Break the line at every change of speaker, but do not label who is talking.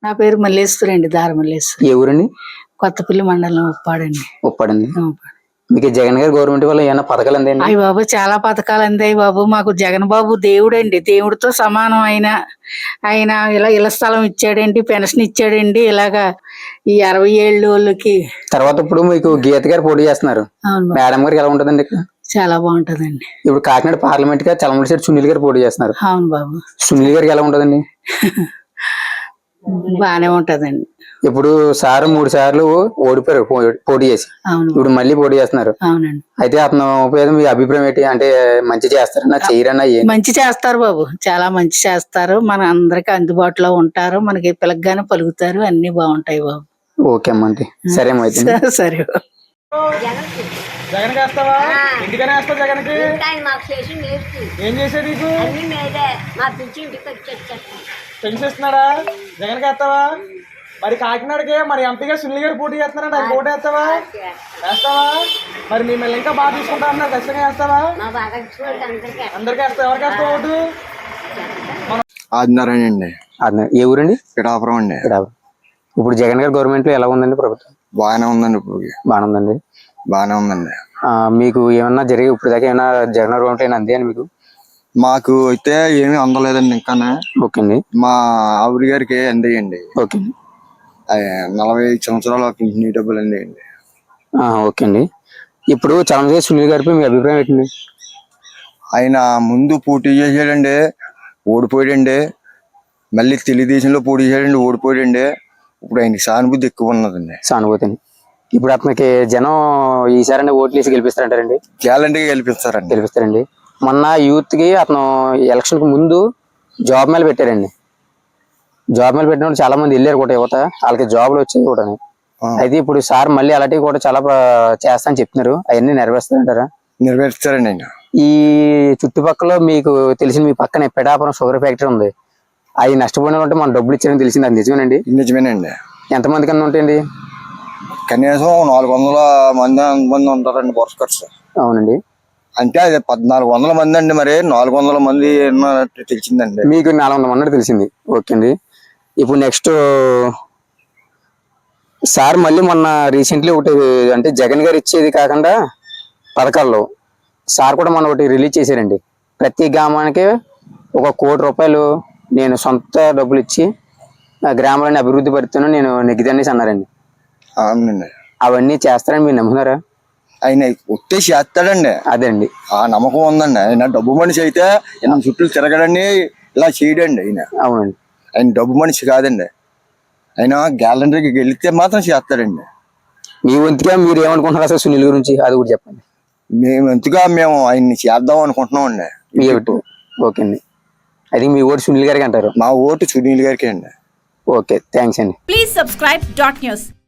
నా పేరు మల్లేశ్వరి అండి, దారి మల్లేశ్వరి.
ఏ ఊరండి?
కొత్తపల్లి మండలం ఉప్పాడండి.
ఉప్పాడండి. మీకు జగన్ గారి గవర్నమెంట్ వల్ల ఏమైనా పథకాలు అందాయండి?
అయ్యి బాబు చాలా పథకాలు అందాయి బాబు. మాకు జగన్ బాబు దేవుడండి, దేవుడితో సమానం. ఆయన ఇలా ఇళ్ల స్థలం ఇచ్చాడండి, పెన్షన్ ఇచ్చాడండి. ఇలాగా ఈ 60 ఏళ్ళ వాళ్ళకి.
తర్వాత ఇప్పుడు మీకు గీత గారు పోటీ చేస్తున్నారు. మేడం గారికి ఎలా ఉంటదండి ఇక్కడ?
చాలా బాగుంటదండి.
ఇప్పుడు కాకినాడ పార్లమెంట్ గా చలమలశెట్టి సునీల్ గారు పోటీ చేస్తున్నారు.
అవును బాబు.
సునీల్ గారికి ఎలా ఉంటదండి?
బానే ఉంటదండి.
ఇప్పుడు సార్ 3 సార్లు ఓడిపోయారు పోటీ చేసి. ఇప్పుడు మళ్ళీ పోటీ చేస్తున్నారు.
అవునండి.
అయితే అతను ఉపయోగం మీ అభిప్రాయం ఏంటి? అంటే మంచి చేస్తారన్నా చేయరన్నా?
మంచి చేస్తారు బాబు, చాలా మంచి చేస్తారు. మన అందరికి అందుబాటులో ఉంటారు, మనకి పిలగ్గానే పలుకుతారు, అన్ని బాగుంటాయి బాబు.
ఓకే అమ్మ, అంటే సరే అమ్మ. అయితే
సరే.
జగన్ వేస్తావా? ఇంటికనే వేస్తావు జగన్ కి? ఏం చేసేది నీకు? పెన్షన్ ఇస్తున్నాడా? జగన్ వేస్తావా? మరి కాకినాడకి మరి ఎంపీగా సునీల్ గారు పోటీ చేస్తున్నాడు, అది పోటీ వేస్తావా? మరి మిమ్మల్ని ఇంకా బాగా తీసుకుంటా అన్నారు, ఖచ్చితంగా వేస్తావా? అందరికి వేస్తావు. ఎవరికి వేస్తావు ఓటు?
ఆదినారాయణ అండి.
ఏ ఊరండి?
పిఠాపురం అండి.
ఇప్పుడు జగన్ గారి గవర్నమెంట్ లో ఎలా ఉందండి ప్రభుత్వం?
బాగానే ఉందండి. ఇప్పుడు బాగానే ఉందండి.
మీకు ఏమన్నా ఇప్పుడు దాకా ఏమైనా జగన్ గవర్నమెంట్ అయినా అందే మీకు?
మాకు అయితే ఏమీ అందలేదండి ఇంకా.
ఓకే అండి.
మా ఆవిడ గారికి అందేయండి.
ఓకే.
45 సంవత్సరాల పింఛనీ డబ్బులు అందేయండి.
ఓకే అండి. ఇప్పుడు చలమలశెట్టి సునీల్ గారిపై మీ అభిప్రాయం ఏంటండి?
ఆయన ముందు పోటీ చేశాడండి, ఓడిపోయాడండి. మళ్ళీ తెలుగుదేశంలో పోటీ చేశాడండి, ఓడిపోయాడండి. ఇప్పుడు ఆయనకి సానుభూతి ఎక్కువ ఉన్నదండి.
సానుభూతి. ఇప్పుడు అతనికి జనం ఈసారి ఓట్లు వేసి గెలిపిస్తారంటారండి?
గ్యారంటీగా గెలిపిస్తారండి. మొన్న యూత్ కి అతను ఎలక్షన్ కు ముందు జాబ్ మేళ పెట్టారండి. జాబ్ మేళ పెట్టినప్పుడు చాలా మంది వెళ్ళారు కూడా, యువత. వాళ్ళకి జాబ్లు వచ్చాయి కూడా. అయితే ఇప్పుడు సార్ మళ్ళీ అలాంటివి కూడా చాలా చేస్తా అని చెప్తున్నారు. అవన్నీ నెరవేరుస్తారంటారా? నెరవేరుస్తారండి ఆయన.
ఈ చుట్టుపక్కల మీకు తెలిసిన మీ పక్కన పిఠాపురం షుగర్ ఫ్యాక్టరీ ఉంది. అది నష్టపోయిన ఉంటే మనం డబ్బులు ఇచ్చారని తెలిసింది, అది నిజమేనండి?
నిజమేనండి.
ఎంతమంది కన్నా ఉంటాయండి?
కనీసం 400 మంది ఉంటారండి బొరస ఖర్చు.
అవునండి.
అంటే అది 1400 మంది అండి. మరి 400 మంది తెలిసిందండి.
మీకు 400 మంది తెలిసింది. ఓకే అండి. ఇప్పుడు నెక్స్ట్ సార్ మళ్ళీ మొన్న రీసెంట్లీ ఒకటి, అంటే జగన్ గారు ఇచ్చేది కాకుండా పథకాల్లో సార్ కూడా మొన్న ఒకటి రిలీజ్ చేశారండి. ప్రతి గ్రామానికి 1 కోటి రూపాయలు నేను సొంత డబ్బులు ఇచ్చి గ్రామాలని అభివృద్ధి పడుతున్నా, నేను నెగ్గిదనేసి అన్నారండి.
అవునండి.
అవన్నీ చేస్తారని మీరు నమ్ముతున్నారా?
ఆయన ఒట్టేసి చేస్తాడండి.
అదే అండి,
ఆ నమ్మకం ఉందండి. ఆయన డబ్బు మనిషి అయితే ఆయన చుట్టూ తిరగడండి, ఇలా చేయడండి. ఆయన
అవునండి,
ఆయన డబ్బు మనిషి కాదండి. ఆయన గ్యాలరీకి వెళితే మాత్రం చేస్తాడండి.
మీ వంతుగా మీరు ఏమనుకుంటున్నారు అసలు సునీల్ గురించి? అది కూడా చెప్పండి.
మేము ఆయన్ని చేద్దాం అనుకుంటున్నాం అండి.
ఓకే అండి. అది మీ ఓటు సునీల్ గారికి అంటారు?
మా ఓటు సునీల్ గారికి అండి.
ఓకే, థ్యాంక్స్ అండి.
Please subscribe .news.